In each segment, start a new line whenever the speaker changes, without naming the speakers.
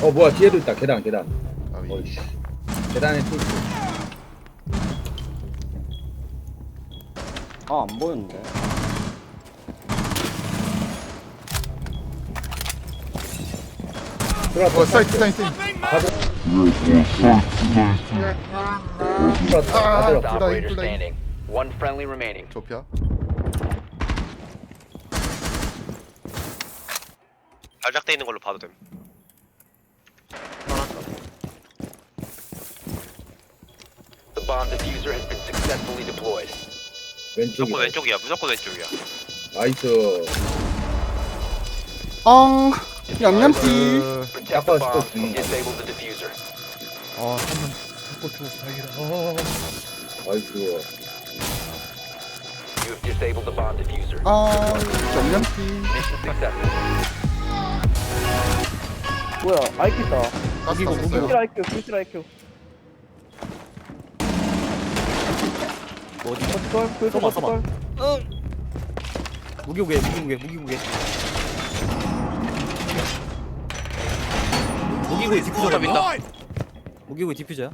뭐야 뒤에도 있다. 계단.
아위.
어이씨. 계단에 또 있어.
아, 안 보였는데.
들어왔다.
사이트.
가자. 들어왔다.
아,
들어왔다.
둘 다
Operator
둘 다.
standing. One friendly remaining.
좁혀.
발작돼 있는 걸로 봐도 됨.
The bomb diffuser has been successfully deployed.
왼쪽이.
무조건 왼쪽이야. 무조건 왼쪽이야.
나이스.
엉. 양념치.
Protect
아까
the bomb
스톱.
and disable the diffuser.
한번 잡고 죽어서 다행이다.
나이스.
You have disabled the bomb diffuser.
양념치.
Mission successful.
뭐야 IQ다.
가스 다
풀실
썼어요.
IQ 풀실 IQ.
어디?
버티컬 풀실
써봐,
버티컬.
무기무게. 무기구이 디퓨저가
민다.
무기구이 디퓨저야?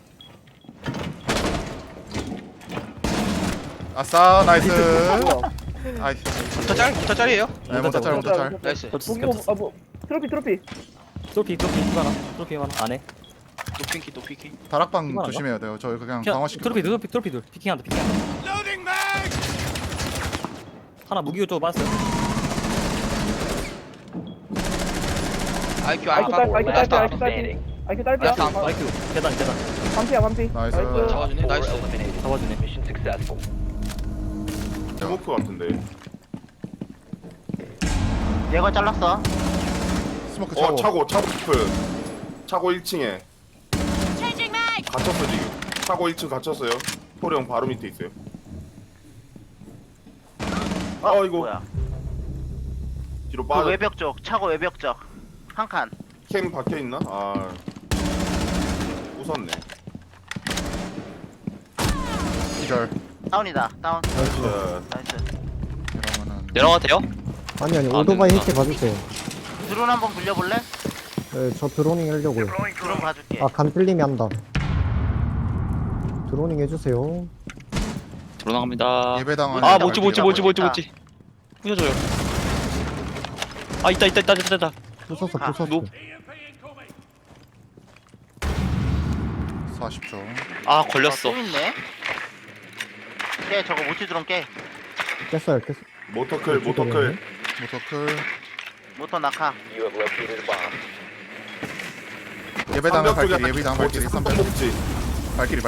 아싸 나이스.
뭐야?
아이.
부터 짤이에요?
네, 못짤.
나이스.
무기 뭐 트로피.
트로피 하나 안에.
노핑키.
다락방
이거
조심해야 돼요. 저희 그냥
그냥
강화시켜.
트로피 둘 피킹한다. 하나 무기고 쪽으로 빠졌어요.
IQ
IQ
알파.
딸피
Last
IQ
stop
딸피
standing.
IQ 딸피야.
다음 거.
IQ 계단
반피야 반피.
나이스.
잡아주네.
Four
나이스.
eliminated.
잡아주네.
Mission successful.
스모크 같은데.
얘가 잘랐어.
스모크 차고.
차고 스프. 차고 1층에. 갇혔어 지금. 차고 1층 갇혔어요. 토령 바로 밑에 있어요. 이거
뭐야?
뒤로
그
빠져.
외벽 쪽, 차고 외벽 쪽. 한 칸.
캠 박혀 있나? 웃었네.
기절.
다운이다. 다운.
자,
나이스.
그러면은
내려가도 돼요?
아니 오토바이
된다.
해체 봐주세요.
드론 한번 굴려볼래?
네, 저 드로닝 하려고요.
드론 봐줄게.
아 간필님이 한다. 드로닝 해주세요.
들어나갑니다.
예배당 안에
아,
발길이
뭐지.
나와요.
부셔줘요. 아, 있다.
부쉈어
아,
부쉈어.
40초.
아,
또 있네. 깨 저거 모티 드론 깨.
깼어요.
모터클.
모터클.
모터 낙하.
You have located a bomb.
예배당
삼벽 쪽에
발길이.
하나
예배당
있고,
발길이.
삼벽
3번.
꼭지.
발길이.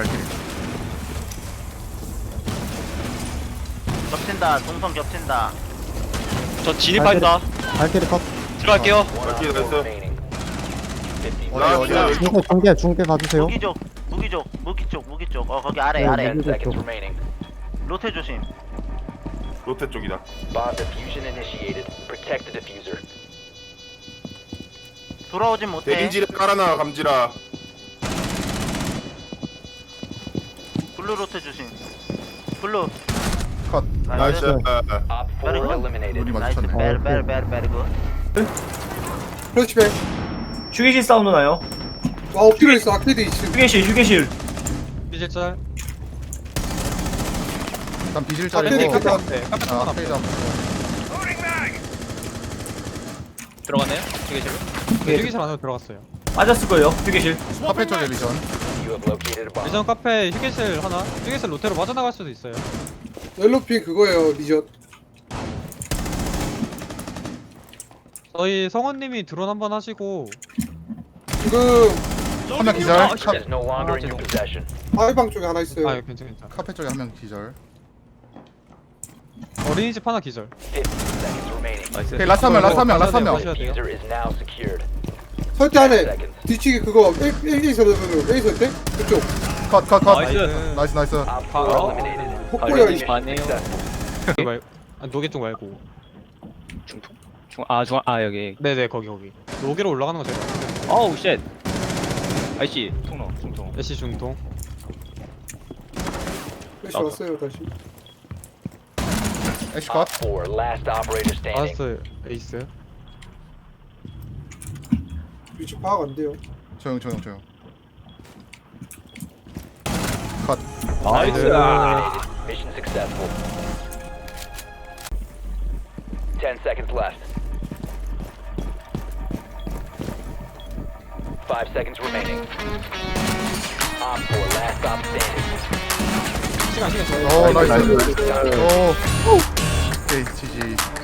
겹친다. 동선 겹친다.
저 진입한다.
발키리 컷.
들어갈게요.
One
Okay,
op
that's
four
it.
remaining. 50
어디야?
중계 봐주세요.
무기 쪽. 거기 아래.
네, 무기.
seconds remaining.
로테 조심.
롯데 쪽이다.
Bomb diffusion initiated. Protect the diffuser.
돌아오진 못해.
대인지를 깔아놔 감지라.
블루 로테 조심. 블루.
컷.
나이스.
나이스.
Op 4
Very good.
eliminated.
눈이
나이스.
마주쳤네.
베리 굿.
크로치백.
휴게실 사운드 나요?
엎드려 있어. 아케이드 2층.
휴게실.
비질짤.
일단 비질
아케이드
자리고.
있다.
아, 페이지 앞.
들어갔네요. 휴게실로. 휴게실 안으로 들어갔어요.
빠졌을 거예요. 휴게실.
카페 쪽에 비전.
You have located a bomb.
예전 카페 휴게실 하나. 휴게실 로테로 빠져나갈 수도 있어요.
옐로핑 그거예요. 리젓.
저희 성원님이 드론 한번 하시고.
지금
한명 기절.
It is no longer in your possession.
아이방 쪽에 하나 있어요.
아, 괜찮아.
카페 쪽에 한 명 기절.
어린이집 하나 기절.
50 seconds remaining.
오케이, 라스 한 명.
The diffuser is now secured.
설대 안에 뒤치기 그거 A에서 A서 때 그쪽
컷. 나이스.
Op 4 eliminated.
폭포야.
Mission successful.
노개 쪽 말고.
여기.
네네, 거기. 노개로 올라가는 거 제가.
어우 쉣. 아이씨 통로 중통.
애쉬 중통.
다시 왔어요 다시.
애쉬 컷.
Op 4 last operator standing.
아스 에이스.
위치 파악 안 돼요.
조용.
나이스.
Mission successful. 10 seconds left. 5 seconds remaining. Op 4, last stop standing.
오 나이스. 오. 오케이 지지.